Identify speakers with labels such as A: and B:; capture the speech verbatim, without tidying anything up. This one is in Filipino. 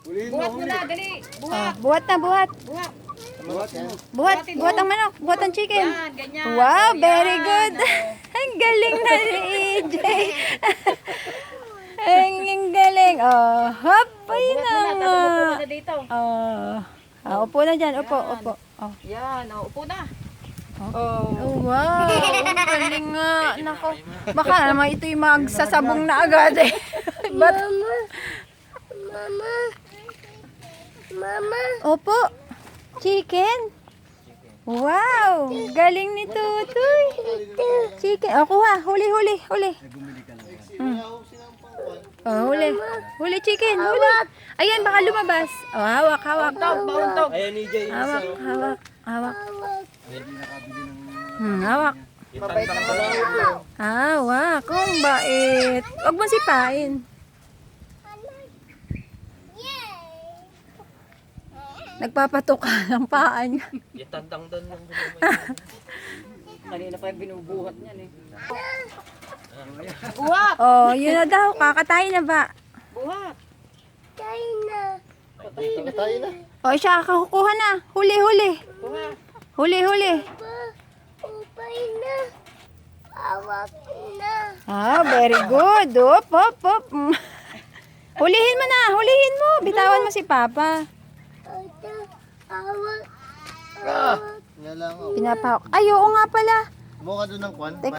A: Buhat mo na, dali.
B: Oh, buhat na, buhat.
A: Buhat.
C: Buhat yan.
B: Buhat, buhat ang manok, buhat ang chicken.
A: Yan, ganyan.
B: Wow,
A: O,
B: very
A: yan,
B: good.
A: o.
B: Ang galing na ni E J. Ang ang galing. Oh, hop, ayun
A: Buhat
B: na.
A: mo na, tapos upo ka na dito.
B: Oh, ah, upo na dyan, upo,
A: Yan.
B: upo. Oh.
A: Yan, o, upo na.
B: Oh.
A: Oh.
B: Oh, wow, ang galing nga. Nako, baka naman ito'y magsasabong na agad eh. But,
D: Mama. Mama.
B: opo, chicken. Wow, galing ni Tutoy. Chicken. O, kuha. Huli, huli, huli. Hmm. Oh, huli. Huli, chicken. Huli. Ayan, baka lumabas. Oh, hawak, hawak.
A: Bauntog, bauntog.
C: Ayan ni Jay.
B: Hawak, hawak, hawak. Hmm, hawak.
A: Mabait na mabait.
B: Hawak. Kung bait. Huwag mo sipain. Nagpapatuka ng paa niya.
C: Itandang doon lang.
A: Kanina pa yung binubuhat niyan eh. Buhat!
B: Oh, yun na daw. Kakatayin na ba?
A: Buhat!
D: Tayo na.
C: Tayo na.
B: O, siya, kakukuha na. Huli, huli.
A: Buhat!
B: Huli, huli.
D: Pa. Upay na. Awak na.
B: Ah, very good. Op, op, op. Mm. Hulihin mo na. Hulihin mo. Bitawan mo si Papa.
D: Ito. Awak.
C: Ah! Yan lang. Oh.
B: Pinapahok. Ay, oo nga pala.
C: Mukha doon ng kwan.
B: Tek-